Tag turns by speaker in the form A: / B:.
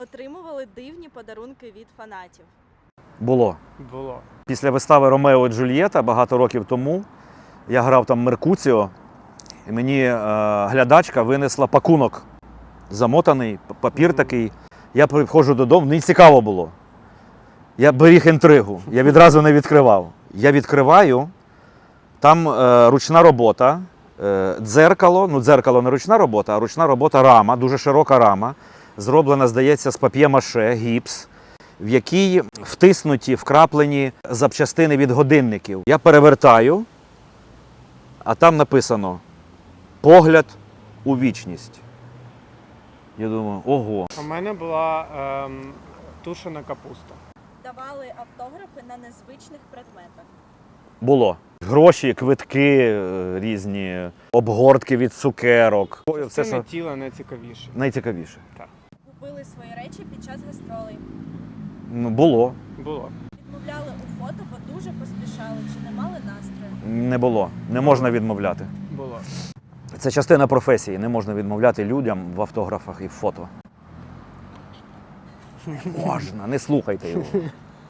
A: Отримували дивні подарунки від фанатів.
B: Було.
C: Було.
B: Після вистави «Ромео і Джульєта» багато років тому я грав там Меркуціо, і мені глядачка винесла пакунок. Замотаний, папір такий. Я приходжу додому, мені цікаво було. Я беріг інтригу, я відразу не відкривав. Я відкриваю, там ручна робота, дзеркало, ну дзеркало не ручна робота, а ручна робота рама, дуже широка рама, зроблена, здається, з пап'є-маше, гіпс, в якій втиснуті, вкраплені запчастини від годинників. Я перевертаю, а там написано «Погляд у вічність». Я думаю, ого.
C: У мене була тушена капуста.
A: Давали автографи на незвичних предметах.
B: Було. Гроші, квитки різні, обгортки від цукерок. Все,
C: Це
B: що
C: не тіло найцікавіше.
B: найцікавіше.
A: Купили свої речі під час гастролей.
B: Ну, було.
C: Було.
A: Відмовляли у фото, бо дуже поспішали чи не мали настрою.
B: Не було. Не можна відмовляти.
C: Було.
B: Це частина професії. Не можна відмовляти людям в автографах і в фото. Можна, не слухайте його.